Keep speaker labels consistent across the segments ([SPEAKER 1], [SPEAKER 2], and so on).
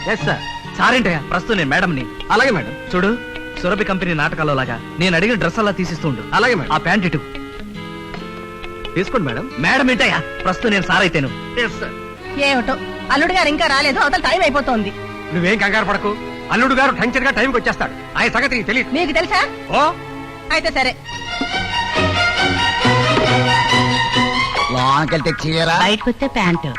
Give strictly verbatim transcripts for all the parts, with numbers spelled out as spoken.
[SPEAKER 1] Yes sir.
[SPEAKER 2] సారేంటయ్యా ప్రస్తుతం నేను మేడంని.
[SPEAKER 1] అలాగే మేడం.
[SPEAKER 2] చూడు సురభి కంపెనీ నాటకాల్లో లాగా నేను అడిగిన డ్రెస్ అలా తీసిస్తుండు.
[SPEAKER 1] అలాగే మేడం.
[SPEAKER 2] ఆ ప్యాంట్ ఇటు
[SPEAKER 1] తీసుకోండి మేడం.
[SPEAKER 2] మేడం ఏంటయ్యా ప్రస్తుతం నేను సార్ అయితేను.
[SPEAKER 1] Yes sir.
[SPEAKER 3] ఏమిటో అల్లుడు గారు ఇంకా రాలేదు, అవతల టైం అయిపోతోంది.
[SPEAKER 1] నువ్వేం కంగారు పడకు, అల్లుడు గారు టంచర్ గా టైంకి వచ్చేస్తాడు. ఆయన సంగతి తెలియదు.
[SPEAKER 3] మీకు తెలుసా?
[SPEAKER 1] ఓ
[SPEAKER 3] అయితే సరే.
[SPEAKER 4] లోనకెళ్తే చీర,
[SPEAKER 3] బయటకు వస్తే ప్యాంటు.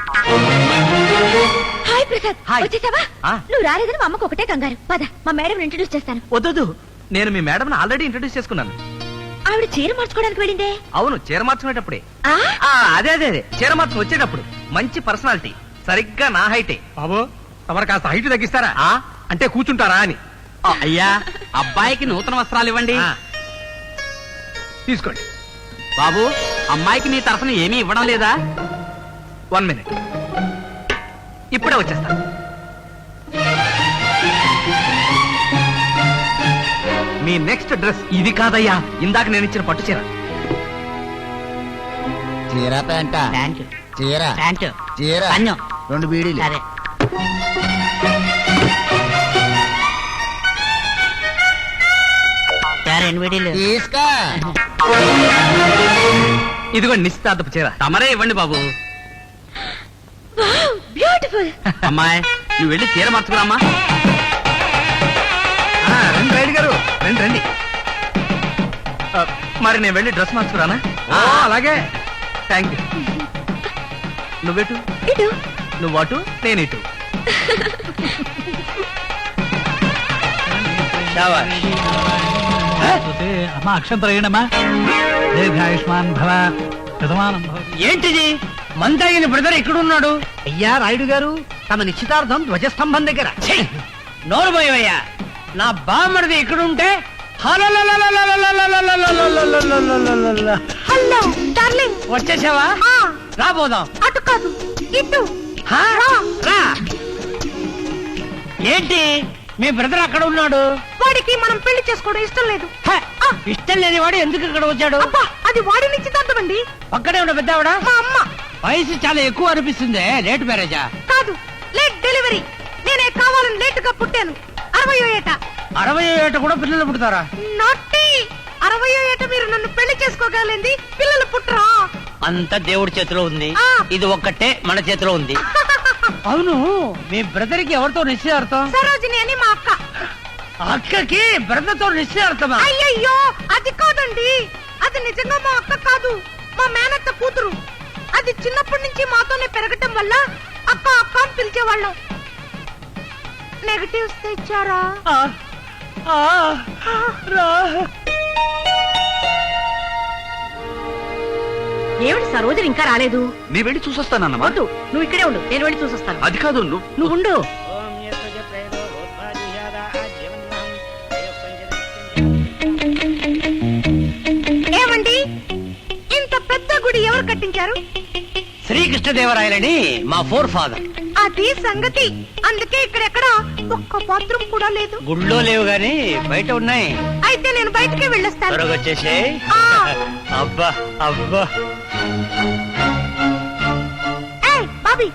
[SPEAKER 5] Hi Prasad,
[SPEAKER 2] hi.
[SPEAKER 5] వచ్చేసావా?
[SPEAKER 2] ఆ.
[SPEAKER 5] నువ్వు రాలేదని మా అమ్మకు ఒకటే కంగారు. పద మా మేడం ఇంట్రడ్యూస్ చేస్తాను.
[SPEAKER 2] వద్దు, నేను మీ మేడం ఆల్రెడీ ఇంట్రడ్యూస్ చేసుకున్నాను.
[SPEAKER 5] ఆవిడ చీర మార్చుకోవడానికి వెళ్ళిందే.
[SPEAKER 2] అవును, చీర మార్చుకునేటప్పుడే.
[SPEAKER 5] ఆ?
[SPEAKER 2] ఆ, అదే అదే అదే చీర మార్చుకుని వచ్చేటప్పుడు మంచి పర్సనాలిటీ, సరిగ్గా నా హైటే.
[SPEAKER 1] బాబు తమరు కాస్త హైట్ తగ్గిస్తారా?
[SPEAKER 2] ఆ?
[SPEAKER 1] అంటే కూర్చుంటారా అని.
[SPEAKER 6] అయ్యా, అబ్బాయికి నూతన వస్త్రాలు ఇవ్వండి.
[SPEAKER 1] ఆ. తీసుకోండి.
[SPEAKER 6] బాబు, అమ్మాయికి నీ తరఫున ఏమీ ఇవ్వడం లేదా?
[SPEAKER 2] వన్ మినిట్, ఇప్పుడే వచ్చేస్తా. మీ నెక్స్ట్ డ్రెస్ ఇది కాదయ్యా, ఇందాక నేను ఇచ్చిన పట్టు చీర.
[SPEAKER 4] చీర ప్యాంట,
[SPEAKER 3] ప్యాంటు
[SPEAKER 4] చీర
[SPEAKER 3] ప్యాంటు
[SPEAKER 4] చీర
[SPEAKER 3] పన్ను.
[SPEAKER 4] రెండు బీడీలు.
[SPEAKER 3] సరే. రెండు విడీలు.
[SPEAKER 4] తీసుకో.
[SPEAKER 2] ఇదిగో నిశ్చితార్థపు చీర.
[SPEAKER 6] తమరే ఇవ్వండి బాబు.
[SPEAKER 5] Wow, beautiful.
[SPEAKER 6] అమ్మాయి, నువ్వు వెళ్ళి చీర మార్చుకురామ్మా.
[SPEAKER 2] ఆ, రండి రైడ్ గారు, రండి రండి. ఆ, మరి నేను వెళ్ళి డ్రెస్ మార్చుకురానా?
[SPEAKER 1] ఓ అలాగే.
[SPEAKER 2] Thank you. నువ్వెటు?
[SPEAKER 5] ఇటు.
[SPEAKER 2] నువ్వు అటు, నేను ఇటు.
[SPEAKER 7] అమ్మా అక్షంతరయ్యమ్మా, దీర్ఘాయుష్మాన్ భవ, ప్రథమానం భవ.
[SPEAKER 2] ఏంటిది మందగిన బ్రదర్ ఎక్కడున్నాడు?
[SPEAKER 3] అయ్యా రాయుడు గారు, తమ నిశ్చితార్థం ధ్వజస్తంభం దగ్గర.
[SPEAKER 2] నోరు పోయవయ్యా, నా బామ్మడిది ఎక్కడుంటే
[SPEAKER 5] హలో డార్లింగ్.
[SPEAKER 2] వచ్చేసావా?
[SPEAKER 5] ఆ,
[SPEAKER 2] రాబోదాం.
[SPEAKER 5] అటు కాదు, ఇటు.
[SPEAKER 2] హా?
[SPEAKER 5] రా.
[SPEAKER 2] రా. ఏంటి మీ బ్రదర్ అక్కడ ఉన్నాడు?
[SPEAKER 5] వాడికి మనం పెళ్లి చేసుకోవడం ఇష్టం లేదు.
[SPEAKER 2] హ, ఇష్టం లేని వాడు ఎందుకు ఇక్కడ వచ్చాడు?
[SPEAKER 5] అబ్బా, అది వాడి నిశ్చితార్థం అండి.
[SPEAKER 2] పక్కనే ఉన్న పెద్దావిడ
[SPEAKER 5] మా అమ్మ.
[SPEAKER 2] వయసు చాలా ఎక్కువ అనిపిస్తుంది. లేట్ మ్యారేజా?
[SPEAKER 5] కాదు, లేట్ డెలివరీ. నేనే కావాలని లేట్ గా పుట్టాను. అరవయో ఏట.
[SPEAKER 2] అరవై ఏట కూడా పిల్లలు పుడతారా?
[SPEAKER 5] నాటి అరవయో ఏట మీరు నన్ను పెళ్లి చేసుకోగలింది, పిల్లలు పుట్టరా?
[SPEAKER 2] అంత దేవుడి చేతిలో ఉంది.
[SPEAKER 5] ఆ.
[SPEAKER 2] ఇది ఒక్కటే మన చేతిలో ఉంది. అవును, మీ బ్రదర్ కి ఎవరితో నిశ్చయార్థం?
[SPEAKER 5] సరోజిని అని మా అక్క.
[SPEAKER 2] అక్కకి బ్రదర్ తో నిశ్చయార్థమా?
[SPEAKER 5] అయ్యయ్యో, అది కాదండి. అది నిజంగా మా అక్క కాదు, మా మేనత్త కూతురు. అది చిన్నప్పటి నుంచి మాతోనే పెరగటం వల్ల అక్క అక్క అని పిలిచేవాళ్ళం. నెగటివ్స్ తెచ్చారా?
[SPEAKER 2] ఆ, ఆ, రా.
[SPEAKER 3] ఏమిటి సరోజని ఇంకా రాలేదు?
[SPEAKER 6] నీ వెళ్ళి చూసొస్తానన్నమా.
[SPEAKER 3] వద్దు, నువ్వు ఇక్కడే ఉండు, నేను వెళ్ళి చూసొస్తాను.
[SPEAKER 6] అది కాదు, నువ్వు
[SPEAKER 3] నువ్వు ఉండు.
[SPEAKER 5] ఏమండి, ఇంత పెద్ద గుడి ఎవరు కట్టించారు?
[SPEAKER 2] శ్రీకృష్ణదేవరాయలని మా ఫోర్ ఫాదర్.
[SPEAKER 5] అది సంగతి. అందుకే ఇక్కడెక్కడ ఒక్క బాత్రూమ్ కూడా లేదు.
[SPEAKER 2] గుళ్ళో లేవు గాని బయట ఉన్నాయి.
[SPEAKER 5] అయితే నేను బయటికి వెళ్ళొస్తాను.
[SPEAKER 2] త్వరగా వచ్చేసే.
[SPEAKER 5] ఆ.
[SPEAKER 2] అబ్బా అబ్బా.
[SPEAKER 5] ఏయ్, బాబీ.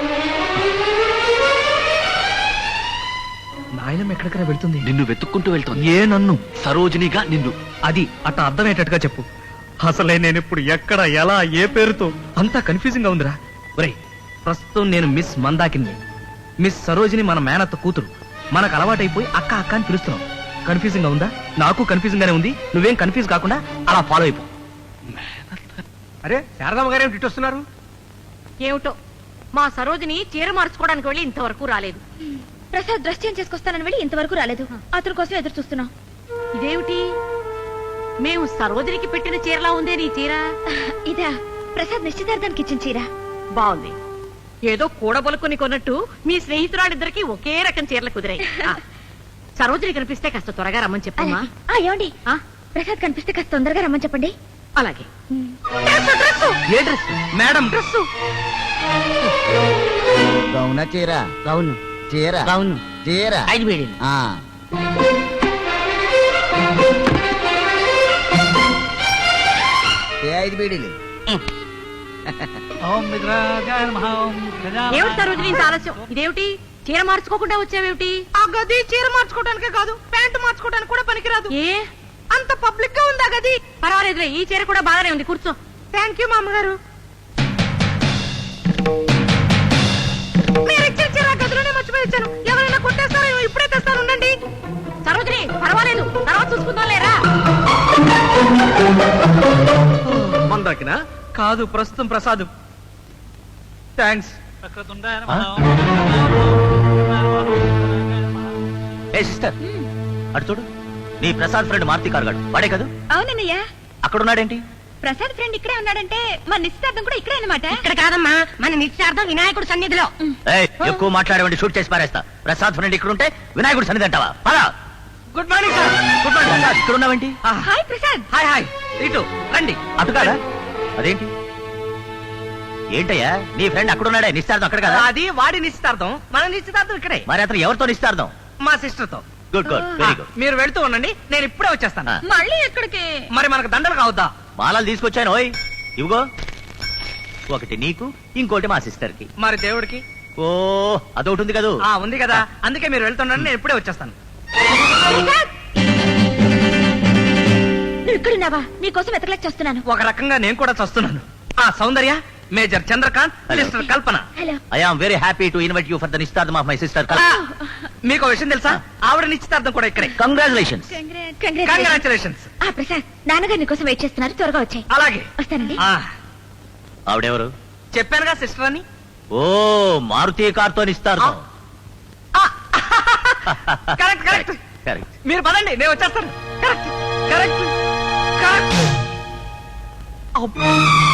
[SPEAKER 2] నాయనం ఎక్కడికైనా వెళ్తుంది.
[SPEAKER 6] నిన్ను వెతుక్కుంటూ వెళ్తోంది.
[SPEAKER 2] ఏ నన్ను?
[SPEAKER 6] సరోజినిగా నిన్ను.
[SPEAKER 2] అది అట్ట అర్థమయ్యేటట్టుగా చెప్పు. అసలే నేను ఇప్పుడు ఎక్కడ, ఎలా, ఏ పేరుతో అంతా కన్ఫ్యూజింగ్ గా ఉందిరా. ఒరేయ్, ప్రస్తుతం నేను మిస్ మందాకిని, మిస్ సరోజిని మన మేనత్త కూతురు. మనకు అలవాటైపోయి అక్క అక్క అని పిలుస్తున్నాం. కన్ఫ్యూజింగ్ గా ఉందా? నాకు కన్ఫ్యూజింగ్ గానే ఉంది. నువ్వేం కన్ఫ్యూజ్ కాకుండా అలా ఫాలో అయిపో.
[SPEAKER 1] అరే శారదమ్మ గారు ఏమిటి వస్తున్నారు?
[SPEAKER 3] ఏమిటో, మా సరోజిని చీర మార్చుకోవడానికి వెళ్ళి ఇంతవరకు రాలేదు.
[SPEAKER 5] ప్రసాద్ డ్రెస్ చేంజ్ చేసుకొస్తానని వెళ్ళి ఇంతవరకు రాలేదు. అతని కోసం ఎదురు చూస్తున్నాం.
[SPEAKER 3] ఇదేమిటి, మేము సరోజినికి పెట్టిన చీరలా ఉందే నీ చీర?
[SPEAKER 5] ఇదా ప్రసాద్ నిశ్చితార్థానికి ఇచ్చిన చీర.
[SPEAKER 3] బాగుంది. ఏదో కూడబలుకుని కొన్నట్టు మీ స్నేహితురాలిద్దరికి ఒకే రకం చీరలు కుదిరాయి. ఆ, సరోజిని కనిపిస్తే కాస్త త్వరగా రమ్మని చెప్పమ్మా.
[SPEAKER 5] అలాగే. ఆ, ఏమండి,
[SPEAKER 3] ఆ,
[SPEAKER 5] ప్రసాద్ కనిపిస్తే కాస్త తొందరగా రమ్మని చెప్పండి.
[SPEAKER 3] అలాగే.
[SPEAKER 2] ఏ డ్రెస్? Madam dress.
[SPEAKER 4] గౌన చీర,
[SPEAKER 3] అవును
[SPEAKER 4] చీర
[SPEAKER 3] అవును.
[SPEAKER 4] చీర.
[SPEAKER 3] ఐదు వేడి.
[SPEAKER 4] ఆ. ఏ ఐదు బీడీలు.
[SPEAKER 7] ఓం విగ్రహాయ నమః, ఓం గజాననాయ
[SPEAKER 3] ఏమిటి సరోజిని ఇంత ఆలస్యం? ఇదేమిటి చీర మార్చుకోకుండా వచ్చావేమిటి?
[SPEAKER 5] ఆ గది చీర మార్చుకోవడానికే కాదు ప్యాంటు మార్చుకోవడానికి కూడా పనికిరాదు.
[SPEAKER 3] ఏ
[SPEAKER 5] అంత పబ్లిక్ గా ఉంది ఆ గది.
[SPEAKER 3] పర్వాలేదులే, ఈ చీర కూడా బాగానే ఉంది, కూర్చో.
[SPEAKER 5] థ్యాంక్ యూ మామగారు. మీరు ఇచ్చిన చీర ఆ గదిలోనే మర్చిపోయి ఇచ్చాను. ఎవరైనా కొట్టేస్తారో ఇప్పుడే తెస్తాను, ఉండండి.
[SPEAKER 3] సరోజిని పర్వాలేదు, తర్వాత చూసుకుందాం లేరా.
[SPEAKER 1] మందాకినా
[SPEAKER 2] కాదు, ప్రస్తుతం ప్రసాద్. థ్యాంక్స్.
[SPEAKER 8] ఏ సిస్టర్, అటు చూడు. నీ ప్రసాద్ ఫ్రెండ్ మార్తి కార్గాడు వాడే కదా?
[SPEAKER 5] అవునన్నయ్య.
[SPEAKER 8] అక్కడ ఉన్నాడేంటి?
[SPEAKER 5] ప్రసాద్ ఫ్రెండ్ ఇక్కడే ఉన్నాడంటే మన నిశ్చితార్థం కూడా ఇక్కడే అన్నమాట.
[SPEAKER 3] ఇక్కడ కాదమ్మా, మన నిశ్చార్థం వినాయకుడు సన్నిధిలో.
[SPEAKER 8] ఏయ్, ఎక్కువ మాట్లాడేవండి షూట్ చేసి పారేస్తా. ప్రసాద్ ఫ్రెండ్ ఇక్కడ ఉంటే వినాయకుడు సన్నిధి అంటావా? పద.
[SPEAKER 2] Good morning sir.
[SPEAKER 8] Good morning Prasad, ఇక్కడ ఉన్నావేంటి?
[SPEAKER 5] హాయ్ ప్రసాద్.
[SPEAKER 2] హాయ్ హాయ్, ఇటు రండి.
[SPEAKER 8] అటు కాదా? అదేంటి ఏంటయ్యా, నీ ఫ్రెండ్ అక్కడ ఉన్నాడే, నిశ్చార్థం అక్కడ కదా?
[SPEAKER 2] అది వాడి నిశ్చితార్థం, మన నిశ్చితార్థం ఇక్కడే,
[SPEAKER 8] మరి అతను ఎవరితో నిశ్చార్థం?
[SPEAKER 2] మా సిస్టర్ తో.
[SPEAKER 8] Good good, very good.
[SPEAKER 2] మీరు వెళ్తూ ఉండండి, నేను ఇప్పుడే వచ్చేస్తాను.
[SPEAKER 8] ఆ.
[SPEAKER 5] మళ్ళీ ఎక్కడికి?
[SPEAKER 2] మరి మనకు దండలు కావద్దా?
[SPEAKER 8] మాలలు తీసుకొచ్చాను. ఓయ్ ఇవిగో, ఒకటి నీకు, ఇంకోటి మా సిస్టర్ కి.
[SPEAKER 2] మరి దేవుడికి?
[SPEAKER 8] ఓ అదొకటి ఉంది కదా?
[SPEAKER 2] ఆ ఉంది కదా, అందుకే మీరు వెళ్తుండండి, నేను ఇప్పుడే వచ్చేస్తాను.
[SPEAKER 5] నువ్వు ఇక్కడున్నావా? నీకోసం వెతకలేక చేస్తున్నాను.
[SPEAKER 2] ఒక రకంగా నేను కూడా చస్తున్నాను. ఆ Soundarya, major Chandrakant,
[SPEAKER 8] Hello.
[SPEAKER 2] Sister Kalpana.
[SPEAKER 5] Hello.
[SPEAKER 8] I am very happy to invite you for the నిశ్చితార్థం ఆఫ్ మై సిస్టర్.
[SPEAKER 2] మీకు విషయం తెలుసా? ఆవిడ నిశ్చితార్థం కూడా ఇక్కడే.
[SPEAKER 8] కంగ్రాచులేషన్స్.
[SPEAKER 2] కంగ్రాచులేషన్స్.
[SPEAKER 5] ఆ ప్రసాద్, నాన్నగారు నీకోసం వెయిట్ చేస్తున్నారు, త్వరగా వచ్చాయి.
[SPEAKER 2] అలాగే.
[SPEAKER 5] వస్తానండి.
[SPEAKER 2] ఆ
[SPEAKER 8] ఆవిడెవరు?
[SPEAKER 2] చెప్పానుగా సిస్టర్ అని.
[SPEAKER 8] ఓ మారుతి కార్తో నిశ్చితార్థం.
[SPEAKER 2] Correct correct.
[SPEAKER 8] కరెక్ట్.
[SPEAKER 2] మీరు పదండి, నేను వచ్చేస్తాను. Correct correct correct. అబ్బా.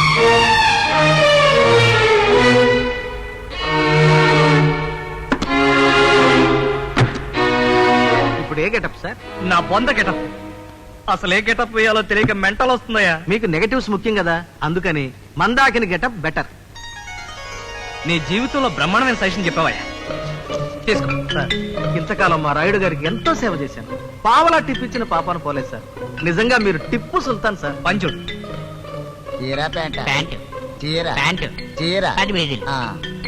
[SPEAKER 1] ఇప్పుడు ఏ గెటప్ సార్?
[SPEAKER 2] నా బొంద గెటప్. అసలు ఏ గెటప్ వేయాలో తెలియక మెంటల్ వస్తుందయ్యా.
[SPEAKER 1] మీకు నెగటివ్స్ ముఖ్యం కదా, అందుకని మందాకిని గెటప్ బెటర్.
[SPEAKER 2] నీ జీవితంలో బ్రహ్మాండమైన సజెషన్ చెప్పావయ్యా, తీసుకో.
[SPEAKER 1] సార్, ఇంతకాలం మా రాయుడు గారికి ఎంతో సేవ చేశాను. పావలా టిప్ ఇచ్చిన పాపాను పోలేదు సార్. నిజంగా మీరు టిప్పు సుల్తాన్ సార్.
[SPEAKER 2] పంచుడు.
[SPEAKER 4] చీర ప్యాంట
[SPEAKER 6] ప్యాంటు
[SPEAKER 4] చీర
[SPEAKER 6] ప్యాంటు
[SPEAKER 4] చీర
[SPEAKER 6] పది వేలు.
[SPEAKER 4] ఆ.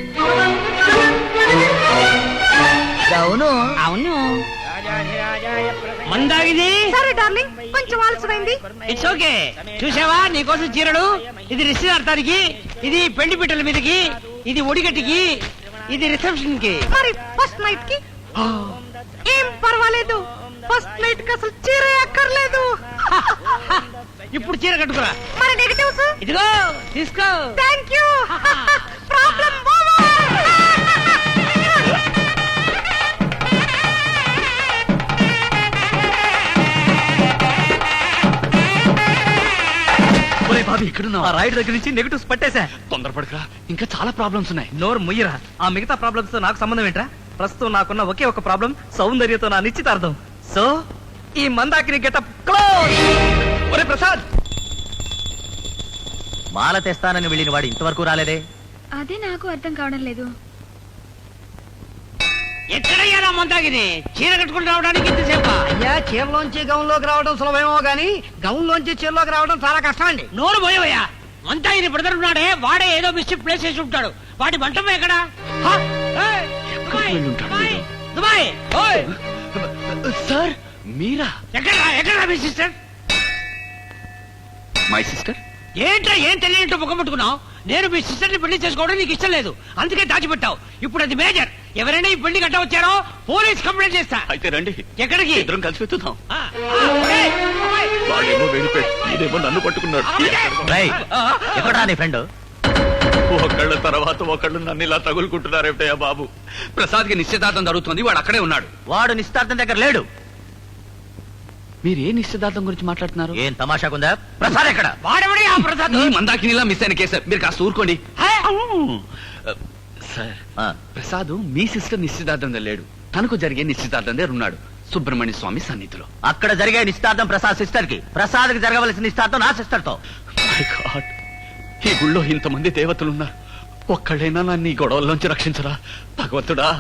[SPEAKER 4] అవును.
[SPEAKER 6] అవును. మందాగిది.
[SPEAKER 5] సరే డార్లింగ్, కొంచెం ఆలస్యమైంది.
[SPEAKER 6] It's okay. చూసావా, నీకోసం చీరలు. ఇది నిశ్చితార్థానికి, ఇది పెళ్లి పిట్టల మీదకి, ఇది ఒడిగట్టికి, ఇది రిసెప్షన్ కి.
[SPEAKER 5] మరి ఫస్ట్ నైట్ కి ఏం పర్వాలేదు. ఫస్ట్ నైట్ కి అసలు చీర అక్కర్లేదు.
[SPEAKER 6] ఇప్పుడు చీర కట్టుకురా.
[SPEAKER 5] మరి నెగటివ్స్?
[SPEAKER 6] ఇదిగో తీసుకో.
[SPEAKER 5] Thank you. ప్రాబ్లం
[SPEAKER 2] ఒరే బాబీ, ఆ రాయుడు దగ్గర నుంచి నెగటివ్స్ పట్టేశా.
[SPEAKER 7] తొందరపడకరా, ఇంకా చాలా ప్రాబ్లమ్స్ ఉన్నాయి.
[SPEAKER 2] నోరు ముయ్యరా. ఆ మిగతా ప్రాబ్లమ్స్ తో నాకు సంబంధం ఏంట్రా? ప్రస్తుతం నాకున్న ఒకే ఒక ప్రాబ్లం, సౌందర్యతో నా నిశ్చితార్థం. సో ఈ మందాకిని గెటప్ క్లోజ్. ఒరే ప్రసాద్,
[SPEAKER 8] మాల తెస్తానని వెళ్ళిన వాడు ఇంతవరకు రాలేదే?
[SPEAKER 5] అదే నాకు అర్థం కావడం లేదు.
[SPEAKER 6] ఎక్కడయ్యారా మందాగిని? చీర కట్టుకుని రావడానికి ఇంతసేపు?
[SPEAKER 9] అయ్యా, చీరలోంచి గౌన్లోకి రావడం సులభమేమో గానీ గౌన్లోంచి చీరలోకి రావడం చాలా కష్టం అండి.
[SPEAKER 6] నోరు పోయవయ్యా. మందాగిని బ్రదర్ ఉన్నాడే, వాడే ఏదో మిస్టేక్ ప్లేస్ చేసి ఉంటాడు. వాడి మంటపం ఎక్కడ? హ? ఏయ్, దుబాయ్, దుబాయ్, దుబాయ్. ఓయ్,
[SPEAKER 7] సార్ మీరా?
[SPEAKER 6] ఎక్కడ్రా ఎక్కడ్రా మీ సిస్టర్?
[SPEAKER 7] My sister?
[SPEAKER 6] ఏంట్రా ఏం తెలియనట్టు ముఖం పట్టుకున్నావు? నేను మీ సిస్టర్ ని పెళ్లి చేసుకోవడం నీకు ఇష్టం లేదు, అందుకే దాచిపెట్టావు. ఇప్పుడు అది మేజర్. ఎవరైనా ఈ పెళ్లి గట్ట వచ్చారో పోలీస్ కంప్లైంట్ చేస్తా.
[SPEAKER 7] అయితే రండి,
[SPEAKER 6] ఎక్కడికి?
[SPEAKER 7] ఇద్దరం కలిసి వెతుకుతాం.
[SPEAKER 6] ఆ, ఆ, ఏయ్, అమ్మాయి.
[SPEAKER 7] వాడేమో వెళ్ళిపోయి ఇదేమో నన్ను పట్టుకున్నాడు.
[SPEAKER 8] రేయ్, ఎక్కడా నీ ఫ్రెండ్?
[SPEAKER 7] ఒకళ్ళ తర్వాత ఒకళ్ళు నన్ను ఇలా తగులుకుంటున్నారేమిటయ్యా బాబు. ప్రసాద్ కి నిశ్చితార్థం జరుగుతుంది, వాడు అక్కడే ఉన్నాడు.
[SPEAKER 8] వాడు నిశ్చితార్థం దగ్గర లేడు.
[SPEAKER 7] మీరు ఏ నిశ్చితార్థం గురించి మాట్లాడుతున్నారు?
[SPEAKER 8] ఏం తమాషాకుందా? ప్రసాద్ ఎక్కడ?
[SPEAKER 6] వాడెవడే ఆ ప్రసాద్?
[SPEAKER 7] ఈ మందాకినిలా మిస్ అయిన కేసు, మీరు కాస్త ఊరుకోండి.
[SPEAKER 6] హే?
[SPEAKER 7] సార్,
[SPEAKER 8] ఆ,
[SPEAKER 7] ప్రసాద్ మీ సిస్టర్ నిశ్చితార్థం లేడు, తనకు జరిగే నిశ్చితార్థం దగ్గర ఉన్నాడు, సుబ్రహ్మణ్య స్వామి సన్నిధిలో.
[SPEAKER 8] అక్కడ జరిగే నిశ్చితార్థం ప్రసాద్ సిస్టర్ కి, ప్రసాద్ కి జరగవలసిన నిశ్చితార్థం నా సిస్టర్ తో.
[SPEAKER 7] My God, ఈ గుళ్ళో ఇంతమంది దేవతలున్నారు, ఒక్కళ్ళైనా నన్ను ఈ గొడవల్లోంచి రక్షించరా భగవంతుడా.